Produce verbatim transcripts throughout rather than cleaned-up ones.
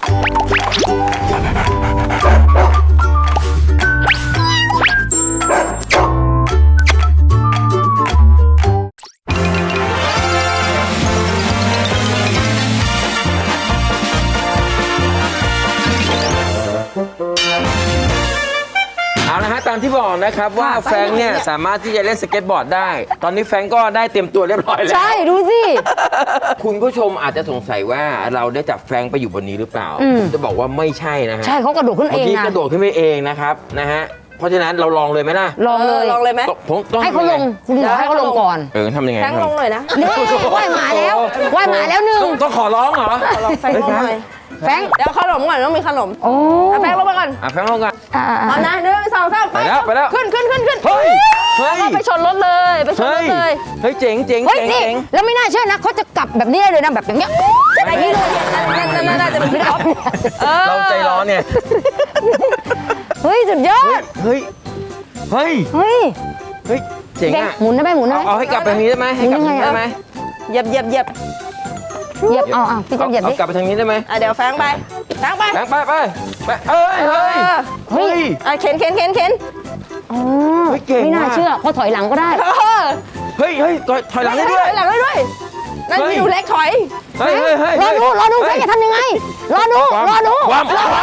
เอาละฮะตามที่บอกนะครับว่าแฟรงค์เนี่ยสามารถที่จะเล่นสเก็ตบอร์ดได้ตอนนี้แฟรงค์ก็ได้เตรียมตัวเรียบร้อยแล้วใช่ดูสิคุณผู้ชมอาจจะสงสัยว่าเราได้จับแฟรงค์ไปอยู่บนนี้หรือเปล่าผมจะบอกว่าไม่ใช่นะฮะใช่เขากระโดดขึ้นเองนะเมื่อกี้กระโดดขึ้นไปเองนะครับนะฮะเพราะฉะนั้นเราลองเลยไหมล่ะลองเลยลองเลยไหมผมต้องให้เขาลงคุณหมอให้เขาลงก่อนเออทำยังไงแฟรงค์ลงหน่อยนะนี่ว่ายหมาแล้วว่ายหมาแล้วหนึ่งต้องขอร้องเหรอลองแฟรงค์ลงหน่อยแฟรงค์เดี๋ยวขนมก่อนต้องมีขนมโอ้แฟรงค์ลงมาก่อนอ่ะแฟรงค์ลงก่อนเอานะหนึ่งสองสามไปแล้วไปแล้วขึ้นขึ้นขึ้นขึ้นเฮ้ยเฮ้ยไปชนรถเลยไปชนรถเลยเฮ้ยเจ๋งเจ๋งเฮ้ยเจ๋งนี่เจ๋งแล้วไม่น่าเชื่อนะเขาจะกลับแบบนี้เลยนะแบบอย่างเงี้ยอะไรนี่เลยนั่นนั่นน่าจะเป็นพี่ท็อปเราใจร้อนเนี่ยเฮ้ยสุดยอดเฮ้ยเฮ้ยเฮ้ยเฮ้ยเจ๋งอ่ะหมุนได้ไหมหมุนได้ไหมเอาให้กลับไปทางนี้ได้ไหมให้กลับไปทางนี้ได้ไหมเหยียบเหยียบเหยียบเหยียบเอาเอาพี่จะเหยียบดิกลับไปทางนี้ได้ไหมอ่ะเดี๋ยวแฟรงค์ไปแฟรงค์ไปแฟรงค์ไปไปไปเอ้ยเฮ้ยเฮ้ยอ่ะเข็นเข็นเข็นเข็นอ๋อไม่น่าเชื่อเขาถอยหลังก็ได้เฮ้ยเฮ้ยถอยหลังได้ด้วยถอยหลังได้ด้วยนั่นพี่ดูเล็กถอยเฮ้ยเฮ้ยเฮ้ยรอดูรอดูแฟรงค์จะทำยังไงรอดูรอดูความ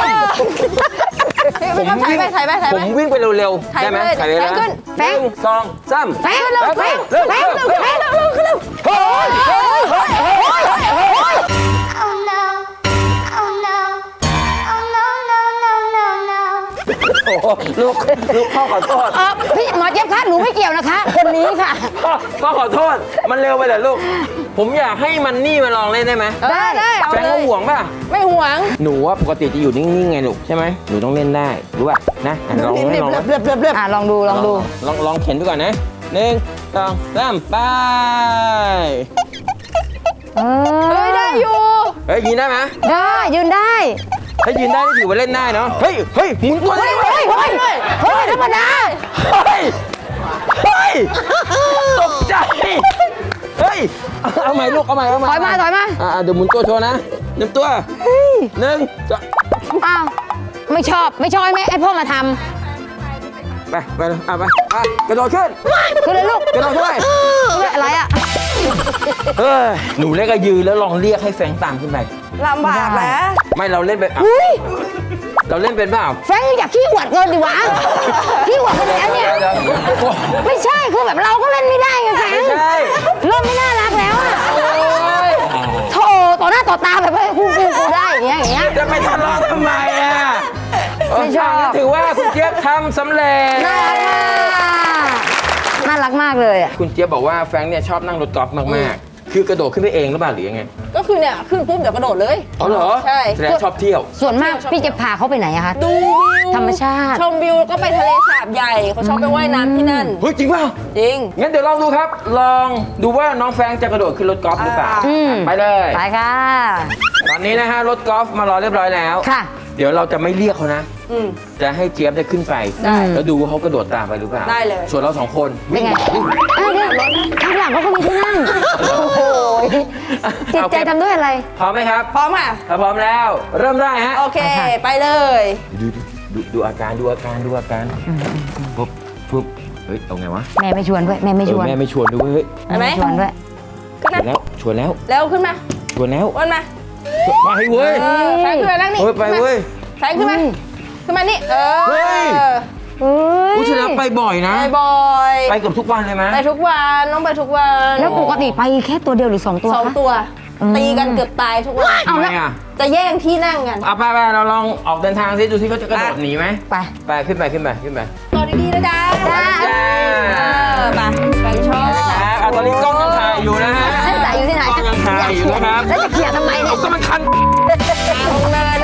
ผมถ่ายไปถ่ายไปถ่ายไปผมวิ่งไปเร็วๆได้ไหมถ่ายเลยนะแฟรงค์สองสามแฟรงค์เร็วแฟรงค์แฟรงค์เร็วแฟรงค์เร็วเร็วเร็วเฮ้ยเฮ้ยเฮ้ยเฮ้ยเฮ้ย Oh no Oh no Oh no no no no no โอ้ลูกลูกพ่อขอโทษพี่หมอเจี๊ยบคะหนูไม่เกี่ยวนะคะคนนี้ค่ะพ่อพ่อขอโทษมันเร็วไปเหรอลูกผมอยากให้มันนี่มาลองเล่นได้ไหมได้ได้แฟนก็ห่วงป่ะไม่ห่วงหนูว่าปกติจะอยู่นิ่งๆไงลูกใช่ไหมหนูต้องเล่นได้รู้ป่ะนะลองให้ลองเลือบเลือบเลือบอ่ะลองดูลองดูลองลองเข็นดูก่อนนะหนึ่งสองสามไปเฮ้ยได้อยู่เฮ้ยยืนได้ไหมได้ยืนได้ถ้ายืนได้นี่ถือว่าเล่นได้เนาะเฮ้ยเฮ้ยหมุนตัวได้เฮ้ยเฮ้ยเฮ้ยธรรมดาเฮ้ยเฮ้ยตกใจเฮ้ยเอาใหม่ลูกเอาใหม่เอาใหม่ถอยมาถอยมาอ่าเดี๋ยวหมุนตัวโชว์นะหนึ่งตัวหนึ่งอ้าวไม่ชอบไม่ชอบไหมไอพ่อมาทำไปไปเลยอ่ะไปไปกระโดดขึ้นขึ้นเลยลูกกระโดดด้วยอะไรอ่ะเฮ้ยหนูเล่นก็ยืนแล้วลองเรียกให้แฟรงค์ตามขึ้นไปลำบากแล้วไม่เราเล่นเป็นเราเล่นเป็นเปล่าแฟรงค์อยากขี้หวัดเกินดิวะขี้หวัดกันแล้วเนี่ยไม่ใช่คือแบบเราก็เล่นไม่ได้ไงแฟรงค์เริ่มไม่น่ารักแล้วอ่ะโธ่ต่อหน้าต่อตาแบบคู่คู่กูได้อย่างเงี้ยอย่างเงี้ยจะไปทะเลาะทำไมอ่ะไม่ชอบถือว่าคุณเจี๊ยบทำสำเร็จน่ารักมากน่ารักมากเลยอ่ะคุณเจี๊ยบบอกว่าแฟรงค์เนี่ยชอบนั่งรถกอล์ฟมากๆคือกระโดดขึ้นไปเองหรือเปล่าหรือยังไงก็คือเนี่ยขึ้นปุ๊บเดี๋ยวกระโดดเลยอ๋อเหรอใช่แสดงชอบเที่ยวส่วนมากพี่จะพาเขาไปไหนอะคะดูวิวธรรมชาติชมวิวแล้วก็ไปทะเลสาบใหญ่เขาชอบไปว่ายน้ำที่นั่นเฮ้ยจริงเปล่าจริงงั้นเดี๋ยวลองดูครับลองดูว่าน้องแฟรงค์จะกระโดดขึ้นรถกอล์ฟหรือเปล่าไปเลยไปค่ะตอนนี้นะฮะรถกอล์ฟมารอเรียบร้อยแล้วค่ะเดี๋ยวเราจะไม่เรียกเขานะจะให้เจี๊ยบได้ขึ้นไปแล้วดูว่าเขากระโดดตามไปหรือเปล่าได้เลยส่วนเราสองคนเป็นไงอ้าวเดี๋ยวข้างหลังเขาก็มีที่นั่งโอ้โหจิตใจทำด้วยอะไรพร้อมไหมครับพร้อมค่ะถ้าพร้อมแล้วเริ่มได้ฮะโอเคไปเลยดูดูดูอาการดูอาการดูอาการปุ๊บปุ๊บเฮ้ยเอาไงวะแม่ไม่ชวนด้วยแม่ไม่ชวนแม่ไม่ชวนด้วยเฮ้ยแม่ชวนด้วยขึ้นมาแล้วชวนแล้วแล้วขึ้นมาชวนแล้ววนมาไปเว้ยแฟงขึ้นมานั่งนี่ไปเว้ยแฟงขึ้นมาขึ้นมานี่เออเฮ้ยผู้ชนะไปบ่อยนะไปบ่อยไปเกือบทุกวันเลยไหมไปทุกวันน้องไปทุกวันแล้วปกติไปแค่ตัวเดียวหรือสองตัวสองตัวตีกันเกือบตายทุกวันเอาไงอ่ะจะแย่งที่นั่งกันเอาไปไปเราลองออกเดินทางซิดูซิเขาจะกระโดดหนีไหมไปไปขึ้นไปขึ้นไปขึ้นไปต่อดีๆนะจ๊ะจ้าไปไปชอบนะครับตอนนี้กล้องยังถ่ายอยู่นะฮะถ่ายอยู่ที่ไหนกล้องยังถ่ายอยู่นะครับแล้วจะเขี่ยทำไมเนี่ยก็มันคันลงเลย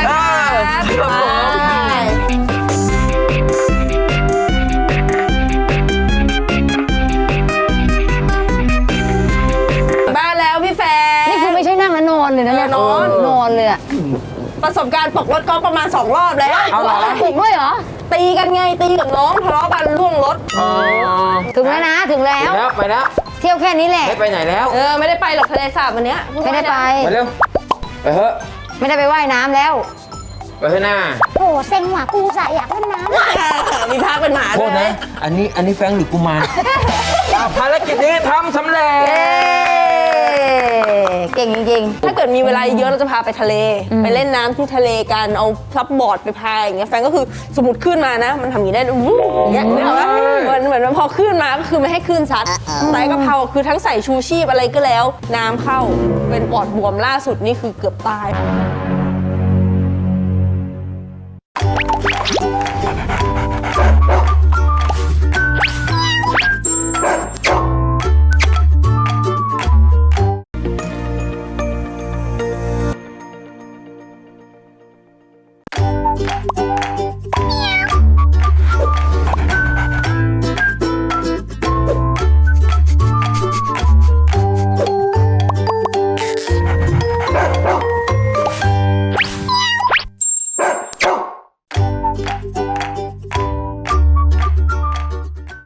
นะครับบ้านแล้วพี่แฟนนี่คือไม่ใช่นั่งแล้วนอนเลยนะเนี่ยนอนนอนเลยอะประสบการณ์ตกรถก็ประมาณสองรอบแล้วเอาเหรอตกด้วยเหรอตีกันไงตีกับน้องทะเลาะกันล่วงรถถึงแล้วนะถึงแล้วไปแล้วเที่ยวแค่นี้แหละไม่ไปไหนแล้วเออไม่ได้ไปหรอกทะเลสาบวันนี้ไม่ได้ไปไปเร็วไปเถอะไม่ได้ไปว่ายน้ำแล้วไปเถอะหน้าโหเซ็งว่ะกูสะอยากเล่นน้ำมีพักเป็นหมาโทด้วษยไหมนะ อันนี้อันนี้แฟงหรือกูมาร อ่ะภารกิจนี้ทำสำเร็จเก่งจริงถ้าเกิดมีเวลาเยอะเราจะพาไปทะเล ไปเล่นน้ำที่ทะเลกันเอาซับบอร์ดไปพายอย่างเงี้ยแฟนก็คือสมมติขึ้นมานะ มันทำอย่างนี้ได้วู้อย่างเงี้ยนึกออกปะเหมือนเหมือนพอขึ้นมาก็คือไม่ให้ขึ้นซัดไต่กะเพราคือทั้งใส่ชูชีพอะไรก็แล้ว น้ำเข้าเป็นปอดบวมล่าสุดนี่คือเกือบตาย